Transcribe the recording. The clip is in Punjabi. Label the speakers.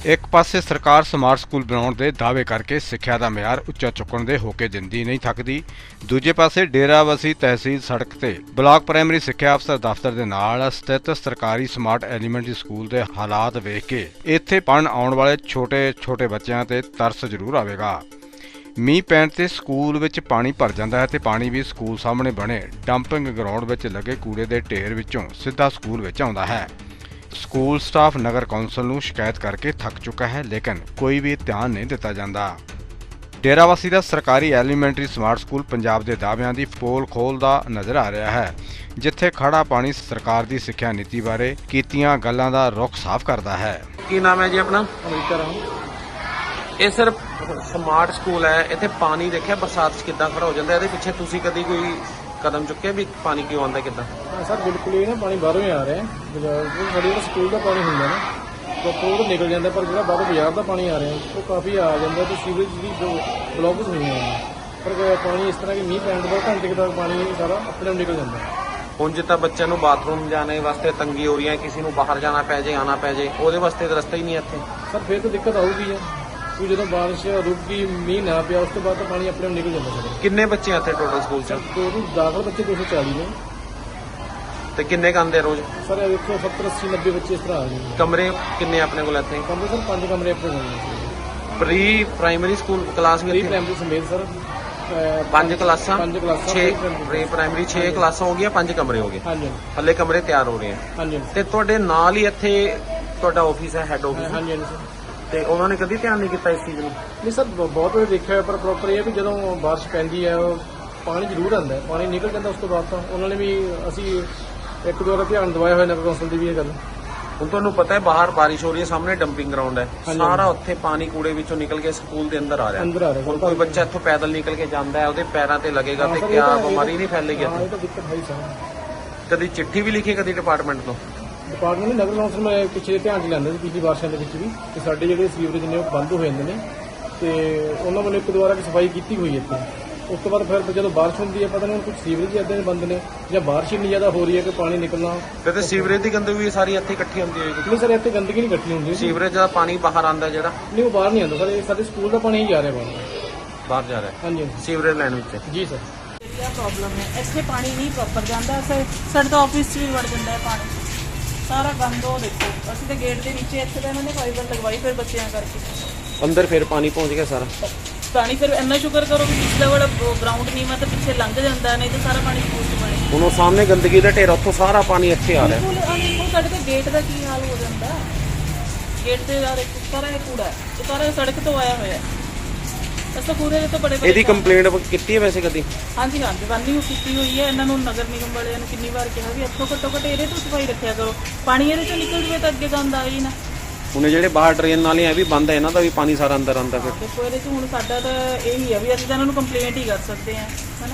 Speaker 1: एक पासे सरकार स्मार्ट स्कूल बनाने के दावे करके सिक्ख्या का मियार उच्चा चुकण के होके जिंदी नहीं थकदी। दूजे पासे डेराबस्सी तहसील सड़क ते ब्लॉक प्राइमरी सिक्ख्या अफसर दफ्तर के नाल स्थित सरकारी स्मार्ट एलीमेंटरी स्कूल के हालात वेख के इत्थे पढ़न आउण वाले छोटे छोटे बच्चों ते तरस जरूर आवेगा। मींह पैण ते स्कूल विच पानी भर जाता है ते पानी भी स्कूल सामने बने डंपिंग ग्राउंड विच लगे कूड़े के ढेर विचों सीधा स्कूल विच आउंदा है। स्कूल स्टाफ नगर कौंसल नूं शिकायत करके थक चुका है, लेकिन कोई भी ध्यान नहीं दिता जाता। डेराबस्सी का सरकारी एलीमेंटरी स्मार्ट स्कूल पंजाब के दावियां की पोल खोलदा नज़र आ रहा है, जिथे खड़ा पानी सरकार की सिक्ख्या नीति बारे कीतियां गल्लां दा रुख साफ करता है।
Speaker 2: की नाम है जी अपना? ये सिर्फ स्मार्ट स्कूल है, इतने पानी देखिए बरसात कितना खड़ा हो जाता है। पिछे तुसी कभी कोई कदम चुके भी पानी क्यों आता कितना?
Speaker 3: सर बिल्कुल ही ना पानी बाहरों ही आ रहा है। साढ़े जो स्कूल का पानी होंगे ना तो निकल जाता, पर जो बाहरों बाजार का पानी आ रहा है वो काफ़ी आ जाता, तो सीवरेज की जो ब्लॉकेज हुई हैं पर पानी इस तरह की मीह पैण तो घंटे तक पानी सारा अपने आप निकल जाता है।
Speaker 2: ਹੁਣ ਜਿੱਦਾਂ ਬੱਚਿਆਂ ਨੂੰ ਬਾਥਰੂਮ ਜਾਣੇ ਵਾਸਤੇ ਤੰਗੀ ਹੋ ਰਹੀ ਹੈ, ਕਿਸੇ ਨੂੰ ਬਾਹਰ ਜਾਣਾ ਪੈ ਜੇ ਆਣਾ ਪੈ ਜੇ, ਉਹਦੇ ਵਾਸਤੇ ਤਾਂ ਰਸਤਾ ਹੀ ਨਹੀਂ ਇੱਥੇ।
Speaker 3: ਸਰ ਫਿਰ ਤਾਂ ਦਿੱਕਤ ਆਊਗੀ ਹੈ ਕਿ ਜਦੋਂ ਬਾਰਿਸ਼ ਰੁਕ ਗਈ ਮੀਂਹ ਨਾ ਪਿਆ ਉਸ ਤੋਂ ਬਾਅਦ ਤਾਂ ਪਾਣੀ ਆਪਣੇ ਆਪ ਨਿਕਲ ਜਾਂਦਾ ਸਰ।
Speaker 2: ਕਿੰਨੇ ਬੱਚੇ ਇੱਥੇ ਟੋਟਲ ਸਕੂਲ 'ਚ?
Speaker 3: ਟੋਟਲ ਦਾਖਲ ਬੱਚੇ 240 ਨੇ।
Speaker 2: ਤੇ ਕਿੰਨੇ ਕੁ ਆਉਂਦੇ ਰੋਜ਼?
Speaker 3: ਸਰ ਦੇਖੋ 70 80 90 ਬੱਚੇ ਇਸ ਤਰ੍ਹਾਂ ਆ ਗਏ।
Speaker 2: ਕਮਰੇ ਕਿੰਨੇ ਆਪਣੇ ਕੋਲ ਇੱਥੇ?
Speaker 3: ਕਮਰੇ ਸਰ 5 ਕਮਰੇ ਆਪਣੇ ਕੋਲ ਨੇ।
Speaker 2: ਪ੍ਰੀ ਪ੍ਰਾਇਮਰੀ ਸਕੂਲ ਕਲਾਸ ਵੀ
Speaker 3: ਪ੍ਰੀ
Speaker 2: ਇੱਥੇ?
Speaker 3: ਪ੍ਰਾਇਮਰੀ ਸਮੇਤ ਸਰ
Speaker 2: 5 ਕਲਾਸਾਂ
Speaker 3: 6
Speaker 2: ਪ੍ਰੀ ਪ੍ਰਾਇਮਰੀ 6 ਕਲਾਸਾਂ ਹੋ ਗਈਆਂ, 5 ਕਮਰੇ ਹੋ ਗਏ।
Speaker 3: ਹਾਂਜੀ
Speaker 2: ਹੱਲੇ ਕਮਰੇ ਤਿਆਰ ਹੋ ਰਹੇ ਆ।
Speaker 3: ਹਾਂਜੀ
Speaker 2: ਤੇ ਤੁਹਾਡੇ ਨਾਲ ਹੀ ਇੱਥੇ ਤੁਹਾਡਾ ਆਫਿਸ ਹੈ, ਹੈੱਡ ਆਫਿਸ?
Speaker 3: ਹਾਂਜੀ ਹਾਂਜੀ ਸਰ।
Speaker 2: ਤੇ ਉਹਨਾਂ ਨੇ ਕਦੀ ਧਿਆਨ ਨਹੀਂ ਕੀਤਾ ਇਸ ਚੀਜ਼ ਨੂੰ?
Speaker 3: ਨਹੀਂ ਸਰ ਬਹੁਤ ਵਾਰ ਦੇਖਿਆ ਹੋਇਆ, ਪਰ ਪ੍ਰੋਪਰ ਇਹ ਹੈ ਵੀ ਜਦੋਂ ਬਾਰਿਸ਼ ਪੈਂਦੀ ਹੈ ਪਾਣੀ ਜ਼ਰੂਰ ਆਉਂਦਾ, ਪਾਣੀ ਨਿਕਲ ਜਾਂਦਾ ਉਸ ਤੋਂ ਬਾਅਦ ਤਾਂ ਉਹਨਾਂ ਨੇ ਵੀ ਅਸੀਂ ਇੱਕ ਦੋ ਵਾਰ ਧਿਆਨ ਦਵਾਇਆ ਹੋਇਆ ਨਗਰ ਕੌਂਸਲ ਦੀ ਵੀ ਇਹ ਗੱਲ।
Speaker 2: ਹੁਣ ਤੁਹਾਨੂੰ ਪਤਾ ਹੈ ਬਾਹਰ ਬਾਰਿਸ਼ ਹੋ ਰਹੀ ਹੈ, ਸਾਹਮਣੇ ਡੰਪਿੰਗ ਗਰਾਊਂਡ ਹੈ, ਸਾਰਾ ਉੱਥੇ ਪਾਣੀ ਕੂੜੇ ਵਿੱਚੋਂ ਨਿਕਲ ਕੇ ਸਕੂਲ ਦੇ ਅੰਦਰ ਆ ਰਿਹਾ।
Speaker 3: ਅੰਦਰ ਆ ਰਿਹਾ
Speaker 2: ਹੁਣ ਕੋਈ ਬੱਚਾ ਇੱਥੋਂ ਪੈਦਲ ਨਿਕਲ ਕੇ ਜਾਂਦਾ ਹੈ, ਉਹਦੇ ਪੈਰਾਂ ਤੇ ਲੱਗੇਗਾ ਤੇ ਕਿਆ ਬਿਮਾਰੀ ਨਹੀਂ ਫੈਲੇਗੀ
Speaker 3: ਹਾਂ,
Speaker 2: ਇੱਥੇ?
Speaker 3: ਇਹ ਤਾਂ ਦਿੱਕਤ ਹੈ ਹੀ ਸਰ।
Speaker 2: ਕਦੀ ਚਿੱਠੀ ਵੀ ਲਿਖੀ ਕਦੀ ਡਿਪਾਰਟਮੈਂਟ ਤੋਂ?
Speaker 3: ਡਿਪਾਰਟਮੈਂਟ ਨੇ ਨਗਰ ਕੌਂਸਲ ਮੈਂ ਪਿੱਛੇ ਧਿਆਨ ਚ ਲੈਂਦਾ ਸੀ ਪਿਛਲੀ ਬਾਰਿਸ਼ਾਂ ਦੇ ਵਿੱਚ ਵੀ ਕਿ ਸਾਡੇ ਜਿਹੜੇ ਸੀਵਰੇਜ ਨੇ ਉਹ ਬੰਦ ਹੋ ਜਾਂਦੇ ਨੇ, ਤੇ ਉਹਨਾਂ ਵੱਲੋਂ ਇੱਕ ਦੋ ਵਾਰ ਸਫਾਈ ਕੀਤੀ ਹੋਈ ਇੱਥੇ। ਉਸ ਤੋਂ ਬਾਅਦ ਫਿਰ ਜਦੋਂ ਬਾਰਿਸ਼ ਹੁੰਦੀ ਹੈ ਪਤਾ ਨਹੀਂ ਕੁਝ ਸੀਵਰੇਜ ਇੱਦਾਂ ਦੇ ਬੰਦ ਨੇ ਜਾਂ ਬਾਰਿਸ਼ ਇੰਨੀ ਜ਼ਿਆਦਾ ਹੋ ਰਹੀ ਹੈ ਕਿ ਪਾਣੀ ਨਿਕਲਣਾ।
Speaker 2: ਤੇ ਸੀਵਰੇਜ ਦੀ ਗੰਦਗੀ ਵੀ ਸਾਰੀ ਇੱਥੇ ਇਕੱਠੀ ਹੁੰਦੀ ਹੋਏਗੀ?
Speaker 3: ਨਹੀਂ ਸਰ ਇੱਥੇ ਗੰਦਗੀ ਨਹੀਂ ਇਕੱਠੀ ਹੁੰਦੀ।
Speaker 2: ਸੀਵਰੇਜ ਦਾ ਪਾਣੀ ਬਾਹਰ ਆਉਂਦਾ ਜਿਹੜਾ?
Speaker 3: ਨਹੀਂ ਉਹ ਬਾਹਰ ਨਹੀਂ ਆਉਂਦਾ ਸਰ, ਇਹ ਸਾਡੇ ਸਕੂਲ ਦਾ ਪਾਣੀ ਹੀ ਜਾ ਰਿਹਾ
Speaker 2: ਬਾਹਰ ਜਾ ਰਿਹਾ।
Speaker 3: ਹਾਂਜੀ
Speaker 2: ਸੀਵਰੇਜ ਲਾਈਨ ਵਿੱਚ?
Speaker 3: ਜੀ ਸਰ।
Speaker 4: क्या प्रॉब्लम है ਇੱਥੇ ਪਾਣੀ ਨਹੀਂ ਪ੍ਰੋਪਰ ਜਾਂਦਾ, ਸਾਡੇ ਤਾਂ ਆਫਿਸ 'ਚ ਵੀ ਵੜ ਜਾਂਦਾ ਹੈ ਪਾਣੀ, ਸਾਰਾ ਗੰਦ। ਉਹ ਦੇਖੋ ਅਸੀਂ ਤਾਂ ਗੇਟ ਦੇ ਨੀਚੇ ਇੱਥੇ ਤਾਂ ਇਹਨਾਂ ਨੇ ਫਾਈਬਰ ਲਗਵਾਈ ਫਿਰ ਬੱਚਿਆਂ ਕਰਕੇ
Speaker 2: ਅੰਦਰ ਫਿਰ ਪਾਣੀ ਪਹੁੰਚ ਗਿਆ ਸਾਰਾ
Speaker 4: ਪਾਣੀ। ਫਿਰ ਇੰਨਾ ਸ਼ੁਕਰ ਕਰੋ ਕਿ ਪਿਛਲਾ ਵਾਲਾ ਗਰਾਊਂਡ ਨਹੀਂ ਮੈਂ ਤਾਂ ਪਿੱਛੇ ਲੰਘ ਜਾਂਦਾ, ਨਹੀਂ ਤਾਂ ਸਾਰਾ ਪਾਣੀ ਸਕੂਲ 'ਚ ਪਾਣੀ।
Speaker 2: ਹੁਣ ਉਹ ਸਾਹਮਣੇ ਗੰਦਗੀ ਦਾ ਢੇਰ, ਉੱਥੋਂ ਸਾਰਾ ਪਾਣੀ ਇੱਥੇ ਆ ਰਿਹਾ।
Speaker 4: ਬਿਲਕੁਲ ਸਾਡੇ ਤਾਂ ਗੇਟ ਦਾ ਕੀ ਹਾਲ ਹੋ ਜਾਂਦਾ, ਗੇਟ ਤੇ ਯਾਰ ਸਾਰਾ ਇਹ ਕੂੜਾ ਹੈ, ਇਹ ਸਾਰਾ ਸੜਕ ਤੋਂ ਆਇਆ ਹੋਇਆ ਹੈ। ਅਸੀਂ ਕੂੜੇ ਦੇ ਤਾਂ ਬੜੇ
Speaker 2: ਇਹਦੀ ਕੰਪਲੇਂਟ ਕੀਤੀ ਹੈ ਵੈਸੇ ਕਦੀ?
Speaker 4: ਹਾਂਜੀ ਵਾਨੀ ਕੀਤੀ ਹੋਈ ਹੈ ਇਹਨਾਂ ਨੂੰ, ਨਗਰ ਨਿਗਮ ਵਾਲਿਆਂ ਨੂੰ ਕਿੰਨੀ ਵਾਰ ਕਿਹਾ ਵੀ ਇੱਥੋਂ ਘੱਟੋ ਘੱਟ ਇਹਦੇ ਤੋਂ ਸਫਾਈ ਰੱਖਿਆ ਕਰੋ, ਪਾਣੀ ਇਹਦੇ ਚੋਂ ਨਿਕਲ ਜਵੇ ਤਾਂ ਅੱਗੇ ਗੰਦ ਆਵੇ ਹੀ ਨਾ।
Speaker 2: ਹੁਣ ਜਿਹੜੇ ਬਾਹਰ ਟ੍ਰੇਨ ਨਾਲੇ ਇਹ ਵੀ ਬੰਦ ਹੈ, ਇਹਨਾਂ ਦਾ ਵੀ ਪਾਣੀ ਸਾਰਾ ਅੰਦਰ ਆਉਂਦਾ। ਫਿਰ
Speaker 4: ਦੇਖੋ ਇਹਦੇ ਚ ਹੁਣ ਸਾਡਾ ਤਾਂ ਇਹੀ ਹੈ ਵੀ ਅਸੀਂ ਤਾਂ ਇਹਨਾਂ ਨੂੰ ਕੰਪਲੇਂਟ ਹੀ ਕਰ ਸਕਦੇ ਹਾਂ, ਹਨਾ।